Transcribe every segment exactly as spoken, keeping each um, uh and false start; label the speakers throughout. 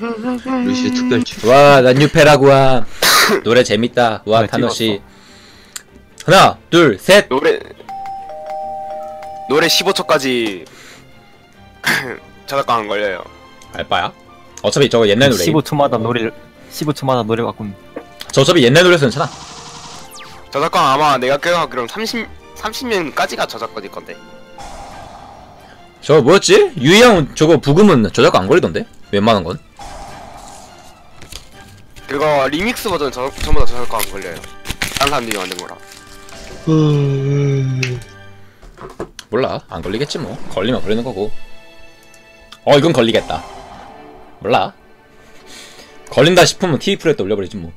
Speaker 1: 루시우 특별주.
Speaker 2: 와, 난 뉴페라구아. 노래 재밌다. 와,
Speaker 3: 네,
Speaker 2: 타노씨. 하나, 둘, 셋.
Speaker 4: 노래 노래 십오 초까지 저작권 안 걸려요.
Speaker 2: 알바야? 어차피 저거 옛날 노래.
Speaker 3: 십오 초마다 노래를 십오 초마다 노래 바꾼.
Speaker 2: 저 어차피 옛날 노래서 괜찮아.
Speaker 4: 저작권 아마 내가 기억하기로는 삼십 삼십 년까지가 저작권일 건데.
Speaker 2: 저거 뭐였지? 유이형 저거 부금은 저작권 안 걸리던데? 웬만한 건?
Speaker 4: 그거 리믹스 버전 저 전부 다 저작권 안 걸려요. 다른 사람들이 만든 거라.
Speaker 2: 몰라. 안 걸리겠지 뭐. 걸리면 걸리는 거고. 어, 이건 걸리겠다. 몰라. 걸린다 싶으면 티비 프리에 또 올려버리지 뭐.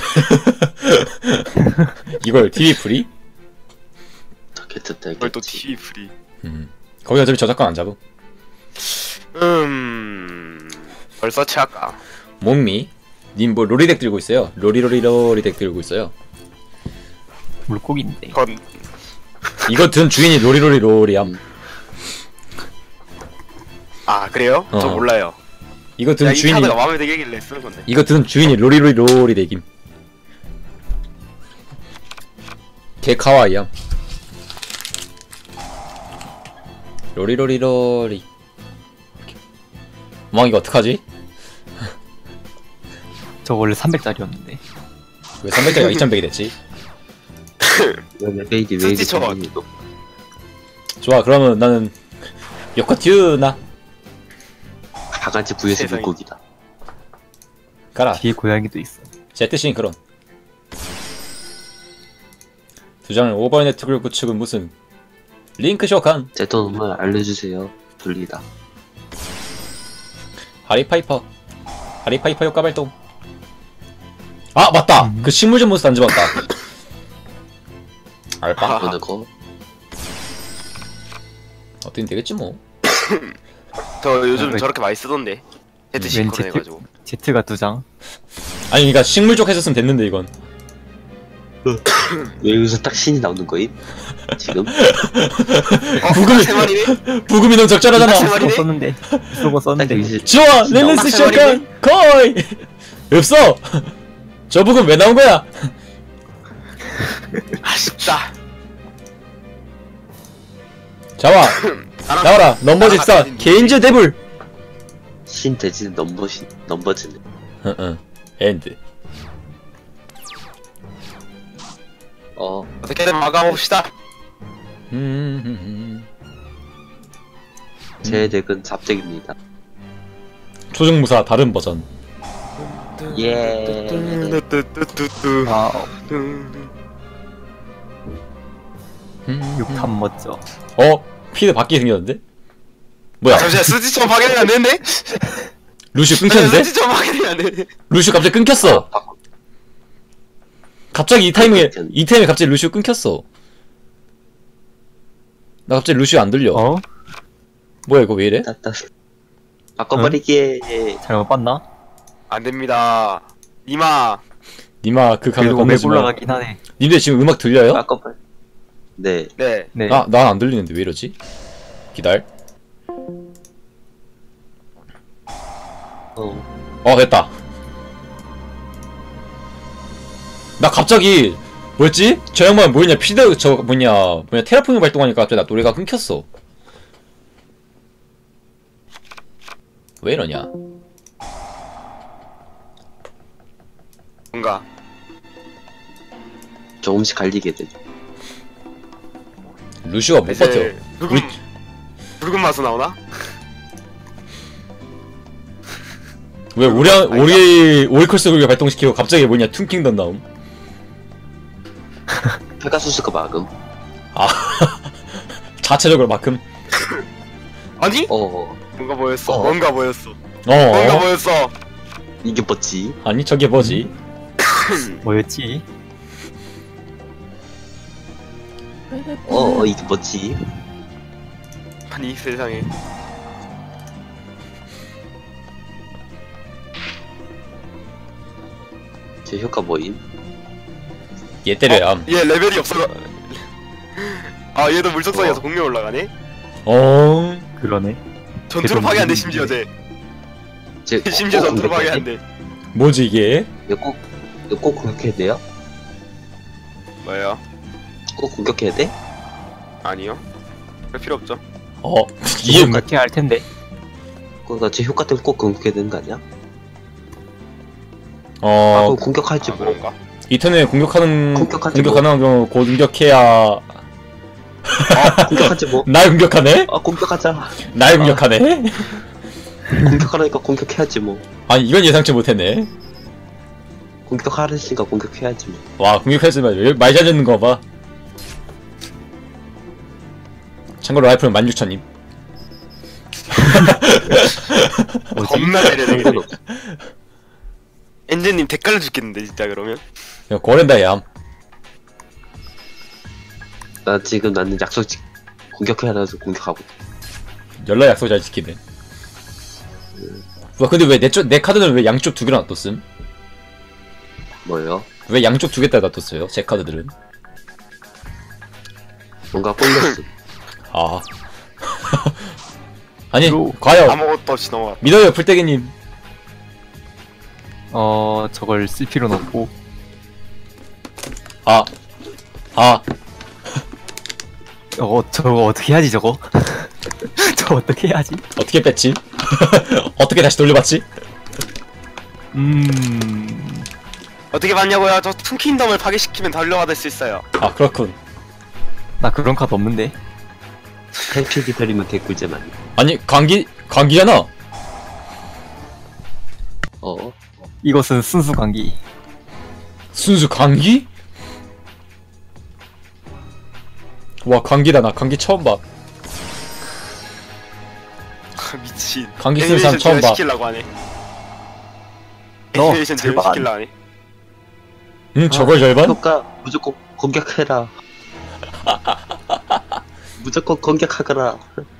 Speaker 2: 이걸 티비 프리?
Speaker 1: 어떻게 듣다
Speaker 4: 이걸 또
Speaker 1: 했겠지.
Speaker 4: 티비 프리.
Speaker 2: 음. 거기 어차피 저작권 안 잡음.
Speaker 4: 음. 벌써 취할까?
Speaker 2: 몸미. 님 뭐 로리덱 들고 있어요. 로리로리로리덱 들고 있어요.
Speaker 3: 물고기인데.
Speaker 4: 그건
Speaker 2: 이거 든 주인이 로리로리로리함.
Speaker 4: 아 그래요? 저
Speaker 2: 어.
Speaker 4: 몰라요.
Speaker 2: 이거 든
Speaker 4: 야, 이
Speaker 2: 주인이
Speaker 4: 카드가 마음에 들길래 쓰는 건데.
Speaker 2: 이거 든 주인이 로리로리로리덱임. 개 카와이함. 로리로리로리. 멍 이거 어떡하지?
Speaker 3: 저 원래 삼백짜리였는데.
Speaker 2: 왜 삼백짜리가 이천백이 됐지?
Speaker 1: 베이디 왜 이렇게
Speaker 4: 스티처.
Speaker 1: 생겼니?
Speaker 2: 좋아, 그러면 나는 요코튜나
Speaker 1: 바가지 vs
Speaker 4: 세상에.
Speaker 1: 물고기다.
Speaker 2: 가라.
Speaker 3: 뒤에 고양이도 있어.
Speaker 2: 제트싱크론. 두 장을 오버네트를 구축은 무슨 링크 쇼칸.
Speaker 1: 제토놈을 알려주세요. 돌리다.
Speaker 2: 하리파이퍼. 하리파이퍼 효과 발동. 아, 맞다.
Speaker 3: 음.
Speaker 2: 그 식물전 몬스터 안 집었다. 알바?
Speaker 4: 아.
Speaker 1: 어느 거?
Speaker 2: 어떻게 되겠지 뭐.
Speaker 4: 저 요즘
Speaker 3: 왜-
Speaker 4: 저렇게 많이 쓰던데. 헤드
Speaker 3: 왠
Speaker 4: 시크로
Speaker 3: 제트
Speaker 4: 해가지고.
Speaker 3: 제트가 두 장.
Speaker 2: 아니, 그니까 식물 쪽 했었으면 됐는데 이건.
Speaker 1: 왜 여기서 딱 신이 나오는 거임? 지금?
Speaker 4: 어,
Speaker 2: 부금이-
Speaker 4: 세 마리네?
Speaker 2: 부금이 너무 적절하잖아.
Speaker 4: 세
Speaker 3: 쓰고
Speaker 4: 마리네?
Speaker 3: 썼는데. 쓰고
Speaker 1: 딱
Speaker 3: 썼는데.
Speaker 1: 여기서
Speaker 2: 좋아,
Speaker 1: 신이
Speaker 2: 렐레스
Speaker 4: 세
Speaker 2: 쇼칸
Speaker 4: 마리네?
Speaker 2: 거의 없어. 저 부금 왜 나온 거야?
Speaker 4: 아쉽다.
Speaker 2: 자와,
Speaker 4: 나랑-
Speaker 2: 나와라. 넘버
Speaker 4: 나랑
Speaker 2: 집사
Speaker 4: 같은
Speaker 2: 개인즈 데블.
Speaker 1: 신 대지는 넘버 신 넘버즈네.
Speaker 2: 응응. 엔드.
Speaker 1: 어
Speaker 4: 어떻게든 막아봅시다.
Speaker 2: 음.
Speaker 1: 제 덱은 잡덱입니다.
Speaker 2: 초중무사 다른 버전.
Speaker 1: 예.
Speaker 4: 뚜뚜뚜뚜뚜.
Speaker 3: 와우.
Speaker 2: 음.
Speaker 3: 육탄 멋져.
Speaker 2: 어? 피드 바뀌게 생겼는데? 뭐야?
Speaker 4: 아, 잠시만 스티처럼 확인이 안 되는데?
Speaker 2: 루슈 끊겼는데?
Speaker 4: 스티처럼 확인이 안 되네.
Speaker 2: 루슈 갑자기 끊겼어. 갑자기 이 타이밍에 이 타이밍에 갑자기 루슈 끊겼어. 나 갑자기 루슈 안 들려.
Speaker 3: 어?
Speaker 2: 뭐야 이거 왜 이래?
Speaker 1: 따따. 바꿔버리기에
Speaker 3: 잘못 봤나?
Speaker 4: 안 됩니다. 이마.
Speaker 2: 니마 그 가면
Speaker 3: 그래도
Speaker 2: 건너지
Speaker 3: 오맥
Speaker 2: 마.
Speaker 3: 올라가긴 하네.
Speaker 2: 님들 지금 음악 들려요?
Speaker 1: 바꿔버. 네.
Speaker 4: 네.
Speaker 3: 네.
Speaker 2: 아, 난 안 들리는데 왜 이러지? 기다려.
Speaker 1: 어.
Speaker 2: 어, 됐다. 나 갑자기 뭐였지? 저 양반 뭐였냐? 피드 저 뭐냐? 뭐냐? 테라포밍 발동하니까 갑자기 나 노래가 끊겼어. 왜 이러냐?
Speaker 4: 뭔가.
Speaker 1: 조금씩 갈리게 돼.
Speaker 2: 루시가 못 버텨.
Speaker 4: 이제 붉은
Speaker 2: 우리-
Speaker 4: 붉은 맛은 나오나?
Speaker 2: 왜 오리
Speaker 4: 아니다.
Speaker 2: 오리 오리컬스 굴 발동시키고 갑자기 뭐냐? 퉁킹던 나옴.
Speaker 1: 페가수스가 막음.
Speaker 2: 자체적으로 막음.
Speaker 4: 아니?
Speaker 1: 어.
Speaker 4: 뭔가 보였어.
Speaker 1: 어.
Speaker 4: 뭔가 보였어.
Speaker 2: 어.
Speaker 4: 뭔가 보였어.
Speaker 1: 이게 뭐지?
Speaker 2: 아니 저게 뭐지?
Speaker 3: 뭐였지?
Speaker 1: 어, 어 이게 뭐지?
Speaker 4: 아니 세상에.
Speaker 1: 제 효과 뭐임?
Speaker 2: 얘 때려야 함.
Speaker 4: 얘 레벨이 없어. 아 얘도 물속성이어서
Speaker 1: 어.
Speaker 4: 공룡 올라가네.
Speaker 2: 어.
Speaker 3: 그러네.
Speaker 4: 전투로
Speaker 3: 걔도
Speaker 4: 파괴 안 돼
Speaker 3: 무슨
Speaker 4: 심지어 쟤.
Speaker 1: 제
Speaker 4: 심지어
Speaker 1: 꼭
Speaker 4: 전투로
Speaker 1: 공격해야 돼?
Speaker 4: 방해한대.
Speaker 2: 뭐지 이게?
Speaker 1: 이거 꼭 이거 꼭 공격해야 돼요?
Speaker 4: 뭐예요?
Speaker 1: 꼭 공격해야 돼?
Speaker 4: 아니요. 그럴 필요 없죠.
Speaker 2: 어
Speaker 3: 이게
Speaker 2: 이게
Speaker 3: 그렇게 할 텐데.
Speaker 1: 그러니까 제 효과 때문에 꼭 공격해야 되는 거 아니야? 아
Speaker 2: 어
Speaker 1: 그럼 공격할지
Speaker 4: 아,
Speaker 1: 뭐.
Speaker 4: 그런가?
Speaker 2: 이 턴에 공격하는
Speaker 1: 공격하지
Speaker 2: 공격
Speaker 1: 뭐.
Speaker 2: 가능한 경우 공격해야
Speaker 1: 아 공격하지 뭐.
Speaker 2: 날 공격하네?
Speaker 1: 아 공격하자.
Speaker 2: 날 공격하네?
Speaker 1: 공격하라니까 공격해야지 뭐.
Speaker 2: 아니 이건 예상치 못했네.
Speaker 1: 공격하랬으니까 공격해야지 뭐.
Speaker 2: 와 공격했으면 많이 잘렸는 거 봐. 참고로 라이프는 만 육천님.
Speaker 4: 겁나 때려내.
Speaker 1: 상관없어.
Speaker 4: 엔진님 댓글로 죽겠는데 진짜 그러면.
Speaker 2: 야 고랜다 얌.
Speaker 1: 나 지금 나는 약속 지 공격해야라서 공격하고.
Speaker 2: 연락 약속 잘 지키네. 와 근데 왜 내 쪽 내 카드는 왜 양쪽 두 개나 놔뒀음?
Speaker 1: 뭐예요?
Speaker 2: 왜 양쪽 두 개 다 놔뒀어요? 제 카드들은.
Speaker 1: 뭔가 꼴렸어.
Speaker 2: 아. 아니
Speaker 3: 로-
Speaker 2: 과연
Speaker 4: 아무것도 없이 넘어가.
Speaker 2: 믿어요 풀떼기님.
Speaker 3: 어 저걸 쓸 필요는 없고.
Speaker 2: 아. 아.
Speaker 3: 어 저거 어떻게 해야지 저거? 저거 어떻게 해야지?
Speaker 2: 어떻게 뺐지? 어떻게 다시 돌려봤지?
Speaker 3: 음.
Speaker 4: 어떻게 봤냐고요? 저 툰킹덤을 파괴시키면 달려받을 수 있어요.
Speaker 2: 아 그렇군.
Speaker 3: 나 그런 카드 없는데.
Speaker 1: 탱크 기다리면 개꿀잼 아니야?
Speaker 2: 아니 광기 광기잖아.
Speaker 1: 어?
Speaker 3: 이것은 순수 관기.
Speaker 2: 순수 광기? 와 광기다. 나 광기 처음 봐.
Speaker 4: 미친.
Speaker 2: 감기 쓰는 사람
Speaker 4: 애니메이션
Speaker 2: 처음 봐.
Speaker 4: 시키려고 하네.
Speaker 3: 너
Speaker 4: 애니메이션
Speaker 3: 절반.
Speaker 4: 시키려고 하네.
Speaker 2: 응 저걸 절반?
Speaker 1: 효과 무조건 공격해라. 무조건 공격하거라.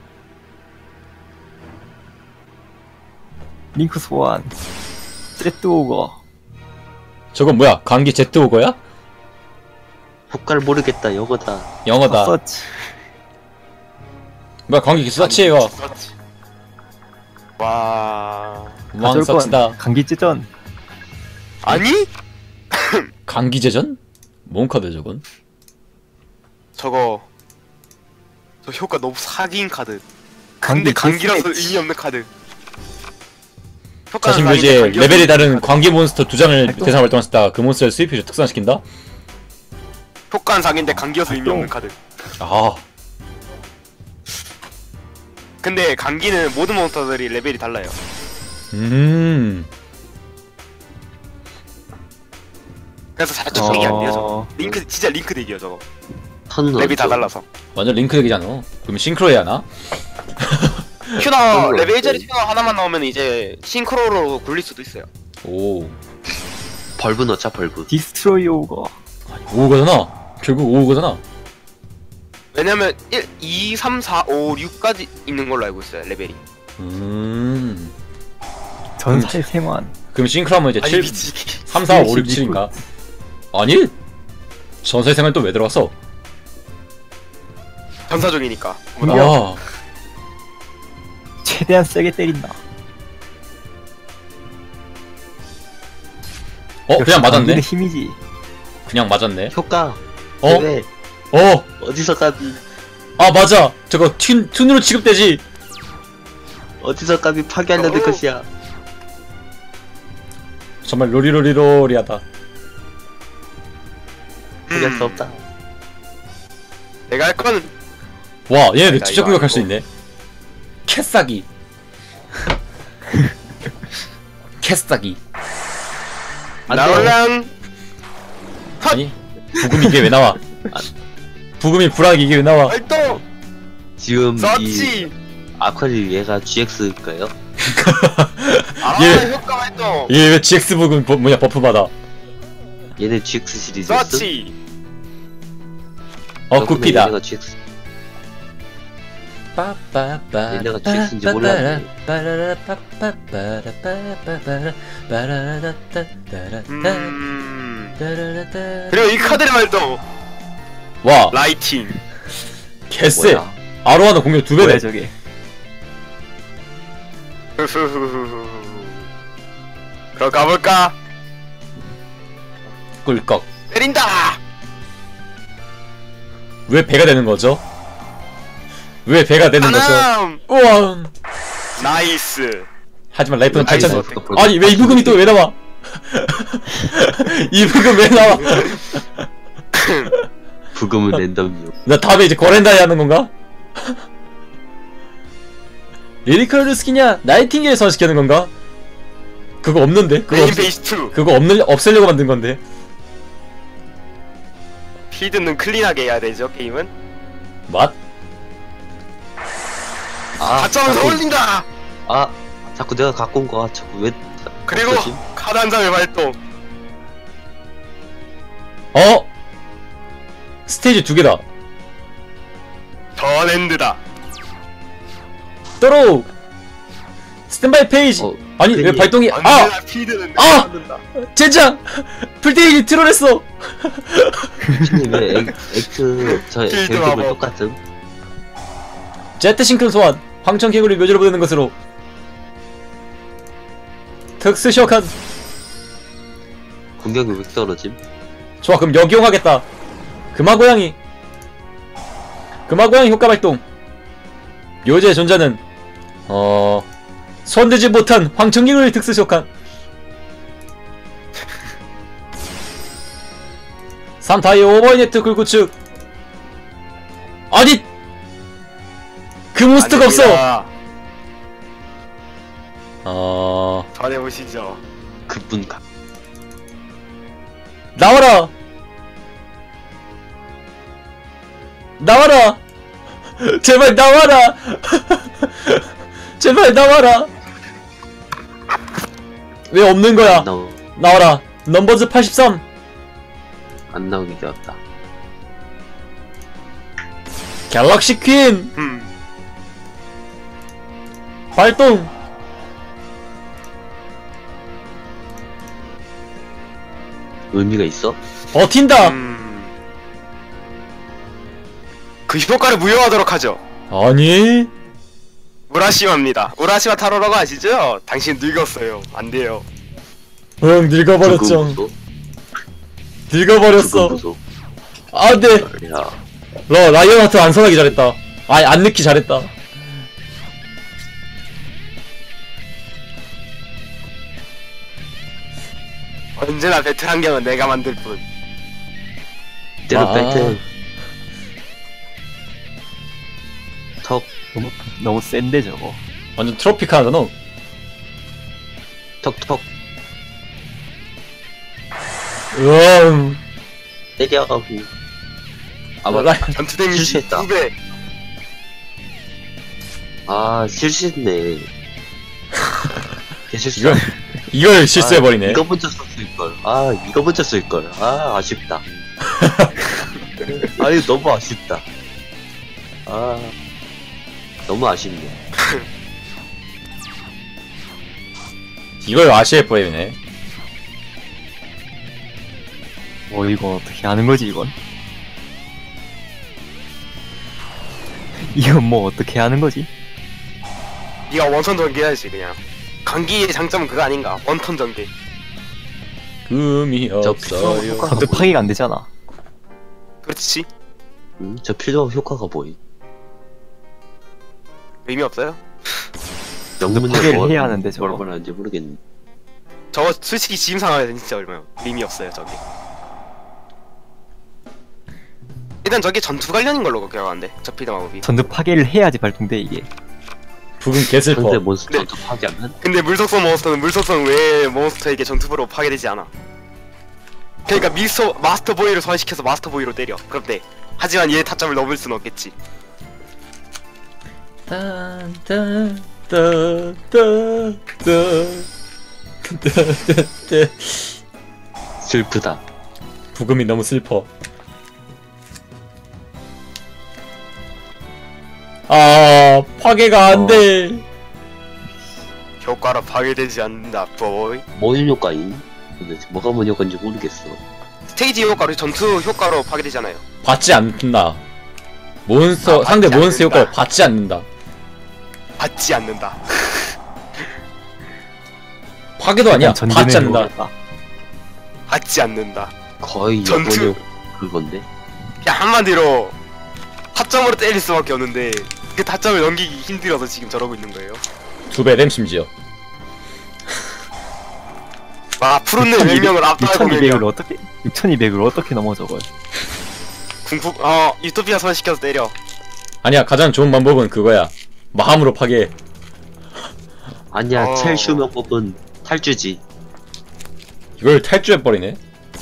Speaker 3: 링크 소환. 세트 오거.
Speaker 2: 저건 뭐야? 광기 제트 오거야?
Speaker 1: 효과를 모르겠다. 영어다.
Speaker 2: 영어다.
Speaker 3: 서치.
Speaker 2: 뭐야 광기 서치예요.
Speaker 4: 서치. 와.
Speaker 2: 왕 서치다.
Speaker 3: 감기 찢전.
Speaker 4: 아니?
Speaker 2: 광기제전? 뭔 카드 저건?
Speaker 4: 저거 저 효과 너무 사기인 카드. 근데
Speaker 3: 감기
Speaker 4: 감기라서
Speaker 3: 데스매치.
Speaker 4: 의미 없는 카드. 효과는
Speaker 2: 자신
Speaker 4: 사기인데
Speaker 2: 묘지에
Speaker 4: 감기
Speaker 2: 레벨이
Speaker 4: 없는
Speaker 2: 다른
Speaker 4: 카드.
Speaker 2: 광기 몬스터 두 장을
Speaker 3: 활동.
Speaker 2: 대상 활동했을 때 그 몬스터를 수입해서 특산시킨다?
Speaker 4: 효과는 사기인데 감기여서 의미 없는 카드.
Speaker 2: 아
Speaker 4: 근데 감기는 모든 몬스터들이 레벨이 달라요.
Speaker 2: 음.
Speaker 4: 그래서 자주 적용이 안 돼요 저거.
Speaker 3: 어.
Speaker 4: 링크 진짜 링크 대기요 저거.
Speaker 1: 턴은
Speaker 4: 레벨이 다
Speaker 1: 어디죠?
Speaker 4: 달라서.
Speaker 2: 완전 링크 얘기잖아. 그럼 싱크로 해야 하나?
Speaker 4: 큐너
Speaker 1: 그런
Speaker 4: 레벨
Speaker 1: 거
Speaker 4: 일 짜리
Speaker 1: 없지.
Speaker 4: 큐너 하나만 나오면 이제 싱크로로 굴릴 수도 있어요.
Speaker 2: 오.
Speaker 1: 벌브 넣자 벌브.
Speaker 3: 디스트로이 오거.
Speaker 2: 오거잖아. 결국 오거잖아.
Speaker 4: 왜냐면 일, 이, 삼, 사, 오, 육까지 있는 걸로 알고 있어요 레벨이.
Speaker 2: 음.
Speaker 3: 전사의 세만.
Speaker 2: 그럼 싱크로 하면 이제
Speaker 4: 아니
Speaker 2: 칠,
Speaker 4: 미치.
Speaker 2: 삼, 사, 오, 육, 칠인가? 아니? 전사의 생활 또 왜 들어갔어?
Speaker 4: 전사적이니까.
Speaker 2: 와.
Speaker 3: 최대한 세게 때린다.
Speaker 2: 어 그냥 맞았네.
Speaker 3: 관기의 힘이지.
Speaker 2: 그냥 맞았네.
Speaker 1: 효과.
Speaker 2: 어?
Speaker 1: 왜?
Speaker 2: 어.
Speaker 1: 어디서 까비?
Speaker 2: 아 맞아. 저거 튠 튠으로 취급되지.
Speaker 1: 어디서 까비 파괴하려는
Speaker 4: 어.
Speaker 1: 것이야.
Speaker 2: 정말 로리로리로리하다.
Speaker 1: 포기할
Speaker 4: 음.
Speaker 1: 수 없다.
Speaker 4: 내가 할 거는
Speaker 2: 와 얘네
Speaker 4: 나
Speaker 2: 직접
Speaker 4: 이거
Speaker 2: 공격할 수
Speaker 4: 아니고.
Speaker 2: 있네. 캐싸기. 캐싸기.
Speaker 1: 안 돼.
Speaker 4: 나올랑
Speaker 2: 아니 부금이 이게 왜 나와? 아, 부금이 불하게 이게 왜 나와?
Speaker 4: 활동
Speaker 1: 지금 이
Speaker 4: 서치.
Speaker 1: 아쿠아리 얘가 지엑스일까요?
Speaker 4: 아
Speaker 2: 예.
Speaker 4: 효과 활동
Speaker 2: 이게 왜 지엑스 부금 버, 뭐냐 버프 받아?
Speaker 1: 얘네 지엑스 시리즈였어?
Speaker 4: 서치.
Speaker 2: 어 굿피다.
Speaker 1: 얘네가 지엑스. 얘네가 지엑스인지 몰랐네.
Speaker 4: 음. 그리고 이 카드의 활동
Speaker 2: 와
Speaker 4: 라이팅.
Speaker 2: 개쎄.
Speaker 1: 뭐야?
Speaker 2: 아로하나 공격 두
Speaker 3: 뭐야
Speaker 2: 배네.
Speaker 3: 저게.
Speaker 4: 그럼 가볼까?
Speaker 2: 꿀꺽.
Speaker 4: 때린다!
Speaker 2: 왜 배가 되는 거죠? 왜 배가 되는 거죠?
Speaker 4: 하남!
Speaker 2: 우와.
Speaker 4: 나이스.
Speaker 2: 하지만 라이프는
Speaker 4: 나이스.
Speaker 2: 팔천. 아니 왜 이부금이 또 왜 나와? 이부금 왜 나와?
Speaker 1: 부금은 랜덤이요.
Speaker 2: 나 다음에 이제 거렌다이 하는 건가? 리리컬 루스키냐? 나이팅게일 소환시키는 건가? 그거 없는데? 그거
Speaker 4: 메인
Speaker 2: 없,
Speaker 4: 베이스 투.
Speaker 2: 그거 없는 없애려고 만든 건데.
Speaker 4: 필드는 클린하게 해야 되죠, 게임은?
Speaker 2: 맛?
Speaker 1: 아,
Speaker 4: 가점을
Speaker 1: 자꾸,
Speaker 4: 올린다!
Speaker 1: 아, 자꾸 내가 갖고 온 거야. 자꾸 왜?
Speaker 4: 그리고
Speaker 1: 없어지?
Speaker 4: 카드 한 장을 발동.
Speaker 2: 어? 스테이지 두 개다.
Speaker 4: 더랜드다.
Speaker 2: 떨어. 스탠바이 페이지.
Speaker 1: 어,
Speaker 2: 아니 왜
Speaker 1: 괜히-
Speaker 2: 발동이? 아!
Speaker 4: 언제나 필드는
Speaker 2: 아!
Speaker 4: 내가 만든다.
Speaker 2: 젠장! 풀테이지 트롤했어.
Speaker 1: 신님 왜 엑- 엑스 저
Speaker 4: 필드
Speaker 1: 벨트가
Speaker 4: 마법.
Speaker 1: 똑같음?
Speaker 2: 제트 싱크론 소환. 황천 개구리 묘지로 보내는 것으로. 특수 쇼칸.
Speaker 1: 공격이 왜 떨어짐?
Speaker 2: 좋아 그럼 여기 이용하겠다. 금화고양이. 금화고양이 효과 발동. 묘지의 존재는 어... 손대지 못한 황천개구리 특수 쇼칸. 삼 타이 오버이네트 굴구축. 아니! 그 몬스터가 없어!
Speaker 4: 아닙니다.
Speaker 2: 어...
Speaker 4: 전해보시죠.
Speaker 1: 그분 가.
Speaker 2: 나와라! 나와라! 제발 나와라! 제발 나와라! 왜 없는 거야?
Speaker 1: 안 나오
Speaker 2: 나와라! 넘버즈 팔십삼!
Speaker 1: 안 나오게 되었다.
Speaker 2: 갤럭시 퀸!
Speaker 4: 음.
Speaker 2: 발동!
Speaker 1: 의미가 있어?
Speaker 2: 버틴다!
Speaker 4: 음. 그 효과를 무효하도록 하죠.
Speaker 2: 아니?
Speaker 4: 우라시마입니다. 우라시마 타로라고 아시죠? 당신 늙었어요. 안 돼요.
Speaker 2: 응 늙어버렸죠.
Speaker 1: 부금
Speaker 2: 늙어버렸어.
Speaker 1: 부금
Speaker 2: 안돼!
Speaker 1: 야,
Speaker 2: 러 라이언하트 안 선하기 잘했다. 아니 안 넣기 잘했다.
Speaker 4: 언제나 배틀 환경은 내가 만들 뿐.
Speaker 1: 때려
Speaker 2: 아.
Speaker 1: 벨트. 턱,
Speaker 3: 너무 너무 센데 저거.
Speaker 2: 완전 트로피카잖아.
Speaker 1: 턱, 턱.
Speaker 2: 으음.
Speaker 1: 때려. 아,
Speaker 2: 라-
Speaker 1: 맞다.
Speaker 4: 전투 데미지
Speaker 1: 실수했다.
Speaker 4: 두 배.
Speaker 1: 아, 실수했네. 개실수.
Speaker 2: 이걸 이걸 실수해버리네.
Speaker 1: 이거 먼저 썼을걸. 아, 이거 먼저 쓸걸. 아, 아쉽다. 아유, 너무 아쉽다. 아, 너무 아쉽네.
Speaker 2: 이걸 아시에버리네.
Speaker 3: 뭐 이거 어떻게 하는 거지 이건? 이건 뭐 어떻게 하는 거지?
Speaker 4: 네가 원턴 전개해야지 그냥. 강기의 장점은 그거 아닌가? 원턴 전개.
Speaker 2: 금이
Speaker 1: 저
Speaker 2: 없어요.
Speaker 1: 효과-
Speaker 3: 전투 파괴가 안 되잖아.
Speaker 4: 그렇지.
Speaker 1: 음, 저 필요 효과가 뭐임?
Speaker 4: 의미 없어요?
Speaker 1: 영문을
Speaker 3: 파괴를
Speaker 1: 뭐-
Speaker 3: 해야 하는데, 저거.
Speaker 1: 뭐라고 하는지 모르겠네.
Speaker 4: 저거 솔직히 지금 상황에서 진짜 얼마요? 의미 없어요 저기. 일단 저게 전투 관련인 걸로 기억하는데 저 필드 마법이.
Speaker 3: 전투 파괴를 해야지 발동돼 이게.
Speaker 2: 부금 개슬퍼.
Speaker 1: 상대 몬스터
Speaker 4: 네.
Speaker 1: 도 파괴하면?
Speaker 4: 근데 물속성 몬스터는 물속성 외의 몬스터에게 전투부로 파괴되지 않아. 그러니까 미스터 마스터 보이를 소환시켜서 마스터 보이로 때려. 그럼 돼. 하지만 얘의 타점을 넘을 순 없겠지.
Speaker 1: 슬프다.
Speaker 2: 부금이 너무 슬퍼. 아 파괴가 안 돼.
Speaker 4: 효과로 파괴되지 않는다. 보이.
Speaker 1: 뭔 효과임? 도대체 뭐가 뭔 효과인지 모르겠어.
Speaker 4: 스테이지 효과로 전투 효과로 파괴되잖아요.
Speaker 2: 받지 않는다. 몬스터
Speaker 4: 아,
Speaker 2: 상대
Speaker 4: 받지
Speaker 2: 몬스터
Speaker 4: 않는다.
Speaker 2: 효과를 받지 않는다.
Speaker 4: 받지 않는다.
Speaker 2: 파괴도 아니야.
Speaker 3: 일단
Speaker 2: 받지
Speaker 3: 전기는
Speaker 2: 않는다.
Speaker 3: 모르겠다.
Speaker 4: 받지 않는다.
Speaker 1: 거의
Speaker 4: 전투.
Speaker 1: 영원히 그건데.
Speaker 4: 그냥 한마디로 타점으로 때릴 수밖에 없는데 그 타점을 넘기기 힘들어서 지금 저러고 있는 거예요.
Speaker 2: 두 배 램 심지어.
Speaker 4: 와 푸른네 몇 명을 압도하고
Speaker 3: 육천이백을
Speaker 4: 밀려.
Speaker 3: 어떻게 육천이백을 어떻게 넘어 저걸?
Speaker 4: 궁fu 어 유토피아 소환시켜서 때려.
Speaker 2: 아니야, 가장 좋은 방법은 그거야. 마음으로 파괴.
Speaker 1: 아니야,
Speaker 4: 어.
Speaker 1: 제일 쉬운 방법은 탈주지.
Speaker 2: 이걸 탈주해버리네.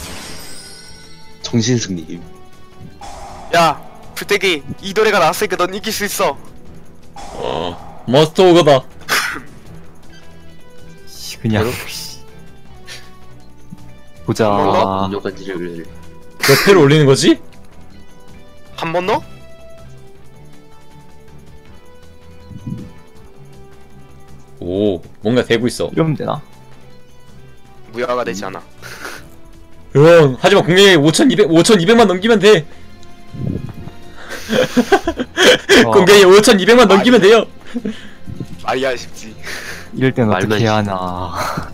Speaker 1: 정신승리.
Speaker 4: 야 불태기 이 노래가 나왔으니까 넌 이길 수 있어.
Speaker 2: 어. 머스터 오거다.
Speaker 3: 씨, 그냥 보자.
Speaker 4: 뭔가?
Speaker 1: 인조간지를
Speaker 2: 몇 패를 올리는 거지?
Speaker 4: 한 번 더?
Speaker 2: 오, 뭔가 되고 있어.
Speaker 3: 이러면 되나?
Speaker 4: 무효가 되지 않아.
Speaker 2: 응, 하지만 공략에 오천이백, 오천이백만 넘기면 돼.
Speaker 3: 어,
Speaker 2: 공략에 오천이백만 넘기면 돼요.
Speaker 4: 말이야 쉽지.
Speaker 3: 이럴 땐
Speaker 1: 말만
Speaker 3: 어떻게
Speaker 1: 시-
Speaker 3: 해야 하나?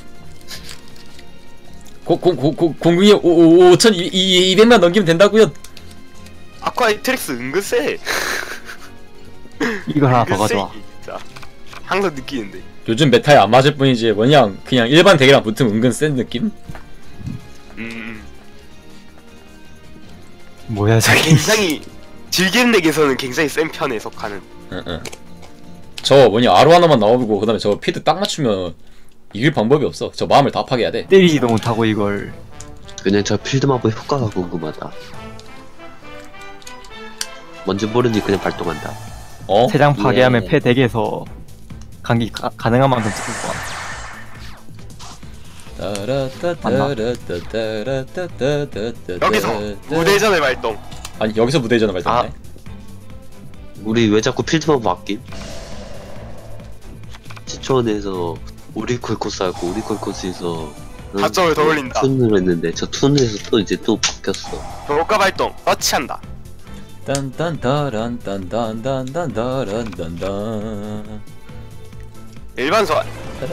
Speaker 2: 고, 고, 고, 고, 공략에 오천이백만 넘기면 된다고요.
Speaker 4: 아쿠아이 트릭스 은근 세.
Speaker 3: 이걸 하나 더
Speaker 4: 은근
Speaker 3: 가져와.
Speaker 4: 세, 진짜. 항상 느끼는데.
Speaker 2: 요즘 메타에 안 맞을 뿐이지, 뭐냐, 그냥 일반 덱이랑 붙으면 은근 센 느낌?
Speaker 4: 음
Speaker 3: 뭐야 저게?
Speaker 4: 굉장히 즐기는 덱에서는 굉장히 센 편에 속하는.
Speaker 2: 응, 응. 저 뭐냐, 아로 하나만 나오고, 그 다음에 저 피드 딱 맞추면 이길 방법이 없어. 저 마음을 다 파괴해야 돼.
Speaker 3: 때리지도 못하고 이걸.
Speaker 1: 그냥 저 필드마법 효과가 궁금하다. 뭔지 모르니 그냥 발동한다.
Speaker 2: 어?
Speaker 3: 세장 파괴하면
Speaker 1: 예.
Speaker 3: 패 덱에서 간기 가, 가능한 만큼 찍을 거야.
Speaker 4: 여기서 무대전의 발동.
Speaker 2: 아니, 여기서 무대전을 발동해.
Speaker 1: 우리 왜 자꾸 필드마법 아낌? 시초원에서 우리콜 코스 하고 우리콜 코스에서
Speaker 4: 가점을 더 올린다.
Speaker 1: 툰을 했는데 저 툰에서 또 이제 또 바뀌었어.
Speaker 4: 효과 발동. 터치한다.
Speaker 2: 딴딴따란딴딴딴딴딴딴딴.
Speaker 4: 일반 소환.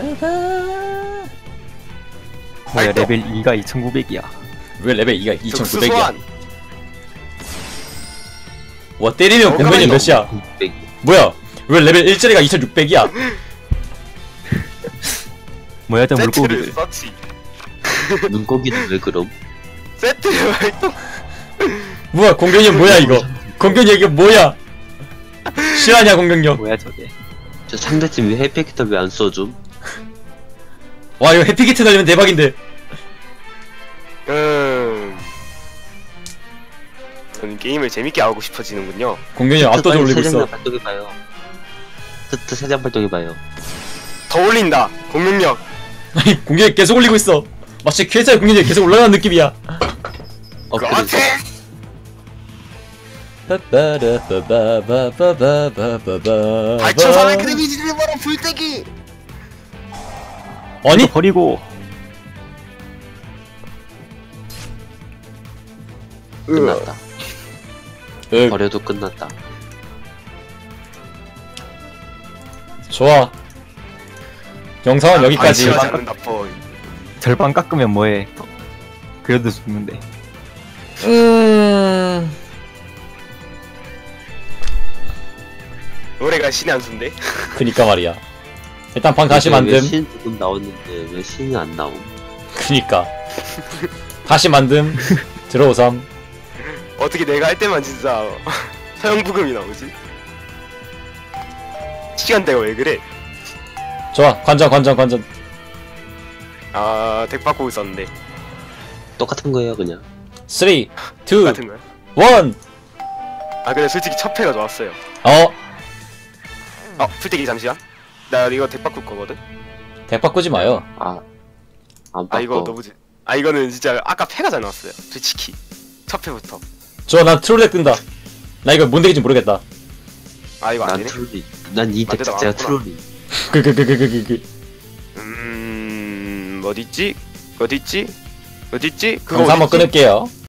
Speaker 3: 뭐야
Speaker 4: 발동.
Speaker 3: 레벨 이가 이천구백이야.
Speaker 2: 왜 레벨 이가
Speaker 4: 특수
Speaker 2: 이천구백이야?
Speaker 4: 소환.
Speaker 2: 와, 때리면 공면이
Speaker 4: 잠깐만요.
Speaker 2: 몇이야?
Speaker 1: 구백.
Speaker 2: 뭐야? 왜 레벨 일짜리가 이천육백이야?
Speaker 3: 뭐야 저
Speaker 4: 세트를
Speaker 3: 물고기들.
Speaker 4: 서치.
Speaker 1: 눈고기는 왜 그럼?
Speaker 4: 세트를 발동.
Speaker 2: 뭐야, 공격력 뭐야 이거? 공격력 이게 뭐야? 실화냐 공격력?
Speaker 3: 뭐야 저게?
Speaker 1: 저 상대팀 왜 해피기터 왜 안 써줌?
Speaker 2: 와, 이거 해피기트 날리면 대박인데.
Speaker 4: 음. 저는 게임을 재밌게 하고 싶어지는군요.
Speaker 2: 공격력 압도적으로 올리고 있어.
Speaker 1: 발동해봐요. 트트 세장 발동해봐요.
Speaker 4: 더 올린다. 공격력.
Speaker 2: 아니, 공격력 계속 올리고 있어. 마치 퀘스트의 공격력이 계속 올라가는 느낌이야.
Speaker 1: 어, 그래.
Speaker 4: 그렇지. 팔천사백 데미지를 벌어 불떼기.
Speaker 2: 아니?
Speaker 3: 버리고
Speaker 1: 끝났다.
Speaker 2: 으,
Speaker 1: 버려도 끝났다.
Speaker 2: 좋아. 영상은 여기까지.
Speaker 4: 방치하지 않는다 보.
Speaker 3: 절반 깎으면 뭐해? 그래도 죽는데.
Speaker 2: 음...
Speaker 4: 노래가 신의 한 수인데.
Speaker 2: 그니까 말이야. 일단 방 다시
Speaker 1: 왜
Speaker 2: 만듦.
Speaker 1: 신 지금 나왔는데 왜 신이 안 나옴?
Speaker 2: 그니까. 다시 만듦. 들어오삼.
Speaker 4: 어떻게 내가 할 때만 진짜 서영부금이 나오지? 시간대가 왜 그래?
Speaker 2: 좋아. 관전, 관전, 관전.
Speaker 4: 아, 덱 바꾸고 있었는데.
Speaker 1: 똑같은 거예요 그냥.
Speaker 2: 삼, 이,
Speaker 4: 같은 거야?
Speaker 2: 일.
Speaker 4: 아, 근데 솔직히 첫 패가 좋았어요.
Speaker 2: 어?
Speaker 4: 어, 풀떼기 잠시만. 나 이거 덱 바꿀 거거든?
Speaker 2: 덱 바꾸지 마요.
Speaker 1: 아, 안
Speaker 4: 아, 이거
Speaker 1: 바꿔.
Speaker 4: 너무 지... 아, 이거는 진짜 아까 패가 잘 나왔어요. 솔직히. 첫 패부터.
Speaker 2: 좋아, 난 트롤 덱 뜬다. 나 이거 뭔 덱인지 모르겠다.
Speaker 4: 아, 이거 안
Speaker 1: 난
Speaker 4: 되네?
Speaker 1: 트롤이. 난 이 덱
Speaker 4: 맞다,
Speaker 1: 자체가
Speaker 4: 맞구나.
Speaker 1: 트롤이.
Speaker 2: 그, 그, 그, 그, 그, 그, 그.
Speaker 4: 음... 어딨지? 어딨지? 어딨지? 그거
Speaker 2: 영상 한번
Speaker 4: 어딨지?
Speaker 2: 끊을게요.